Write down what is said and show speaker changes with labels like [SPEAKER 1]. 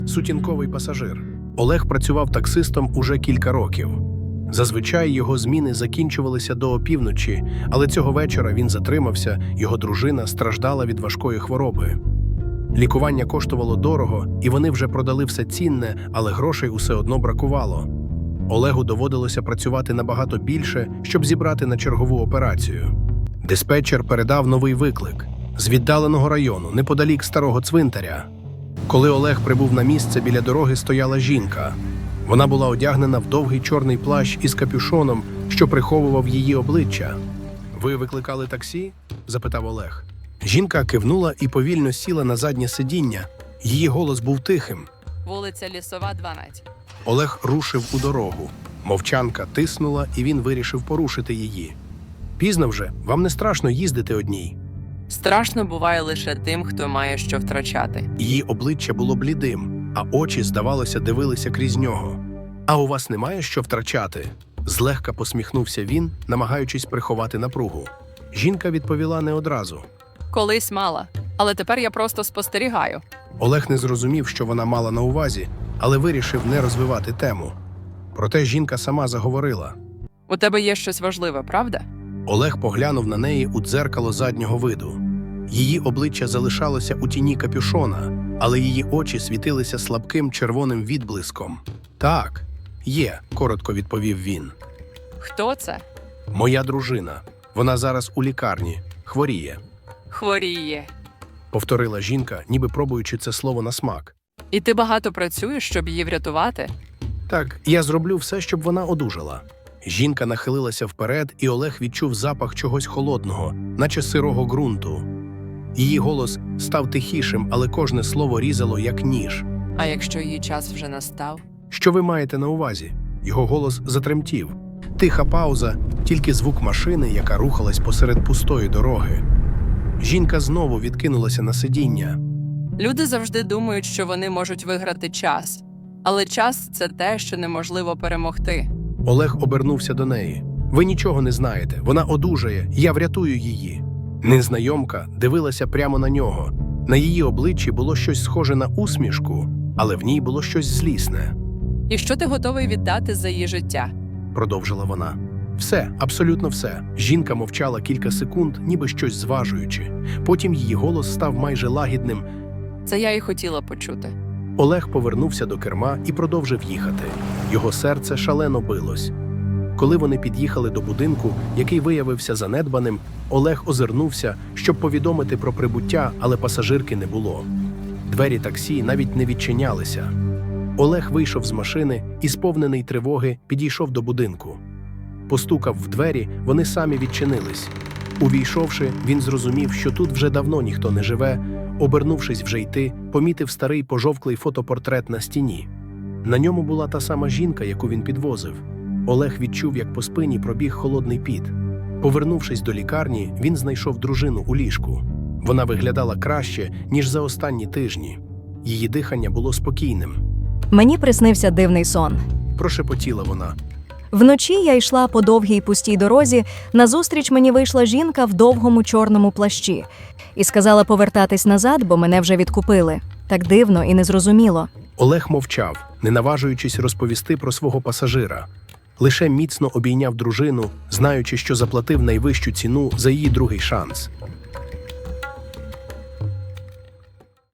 [SPEAKER 1] Сутінковий пасажир. Олег працював таксистом уже кілька років. Зазвичай його зміни закінчувалися до опівночі, але цього вечора він затримався, його дружина страждала від важкої хвороби. Лікування коштувало дорого, і вони вже продали все цінне, але грошей усе одно бракувало. Олегу доводилося працювати набагато більше, щоб зібрати на чергову операцію. Диспетчер передав новий виклик з віддаленого району, неподалік старого цвинтаря. Коли Олег прибув на місце, біля дороги стояла жінка. Вона була одягнена в довгий чорний плащ із капюшоном, що приховував її обличчя. «Ви викликали таксі?» – запитав Олег. Жінка кивнула і повільно сіла на заднє сидіння. Її голос був тихим.
[SPEAKER 2] Вулиця Лісова, 12.
[SPEAKER 1] Олег рушив у дорогу. Мовчанка тиснула, і він вирішив порушити її. «Пізно вже, вам не страшно їздити одній?»
[SPEAKER 2] Страшно буває лише тим, хто має що втрачати.
[SPEAKER 1] Її обличчя було блідим, а очі, здавалося, дивилися крізь нього. «А у вас немає що втрачати?» Злегка посміхнувся він, намагаючись приховати напругу. Жінка відповіла не одразу.
[SPEAKER 2] Колись мала, але тепер я просто спостерігаю.
[SPEAKER 1] Олег не зрозумів, що вона мала на увазі, але вирішив не розвивати тему. Проте жінка сама заговорила.
[SPEAKER 2] У тебе є щось важливе, правда?
[SPEAKER 1] Олег поглянув на неї у дзеркало заднього виду. Її обличчя залишалося у тіні капюшона, але її очі світилися слабким червоним відблиском. «Так, є», – коротко відповів він.
[SPEAKER 2] Хто це?
[SPEAKER 1] «Моя дружина. Вона зараз у лікарні. Хворіє», –
[SPEAKER 2] Хворіє.
[SPEAKER 1] повторила жінка, ніби пробуючи це слово на смак.
[SPEAKER 2] І ти багато працюєш, щоб її врятувати?
[SPEAKER 1] «Так, я зроблю все, щоб вона одужала». Жінка нахилилася вперед, і Олег відчув запах чогось холодного, наче сирого ґрунту. Її голос став тихішим, але кожне слово різало, як ніж.
[SPEAKER 2] А якщо її час вже настав?
[SPEAKER 1] «Що ви маєте на увазі?» Його голос затремтів. Тиха пауза, тільки звук машини, яка рухалась посеред пустої дороги. Жінка знову відкинулася на сидіння.
[SPEAKER 2] Люди завжди думають, що вони можуть виграти час. Але час – це те, що неможливо перемогти.
[SPEAKER 1] Олег обернувся до неї. «Ви нічого не знаєте. Вона одужає. Я врятую її». Незнайомка дивилася прямо на нього. На її обличчі було щось схоже на усмішку, але в ній було щось злісне.
[SPEAKER 2] І що ти готовий віддати за її життя?
[SPEAKER 1] Продовжила вона. «Все, абсолютно все». Жінка мовчала кілька секунд, ніби щось зважуючи. Потім її голос став майже лагідним.
[SPEAKER 2] Це я і хотіла почути.
[SPEAKER 1] Олег повернувся до керма і продовжив їхати. Його серце шалено билось. Коли вони під'їхали до будинку, який виявився занедбаним, Олег озирнувся, щоб повідомити про прибуття, але пасажирки не було. Двері таксі навіть не відчинялися. Олег вийшов з машини і, сповнений тривоги, підійшов до будинку. Постукав в двері, вони самі відчинились. Увійшовши, він зрозумів, що тут вже давно ніхто не живе. Обернувшись вже йти, помітив старий пожовклий фотопортрет на стіні. На ньому була та сама жінка, яку він підвозив. Олег відчув, як по спині пробіг холодний піт. Повернувшись до лікарні, він знайшов дружину у ліжку. Вона виглядала краще, ніж за останні тижні. Її дихання було спокійним.
[SPEAKER 3] Мені приснився дивний сон.
[SPEAKER 1] Прошепотіла вона.
[SPEAKER 3] Вночі я йшла по довгій пустій дорозі, назустріч мені вийшла жінка в довгому чорному плащі і сказала повертатись назад, бо мене вже відкупили. Так дивно і незрозуміло.
[SPEAKER 1] Олег мовчав, не наважуючись розповісти про свого пасажира. Лише міцно обійняв дружину, знаючи, що заплатив найвищу ціну за її другий шанс.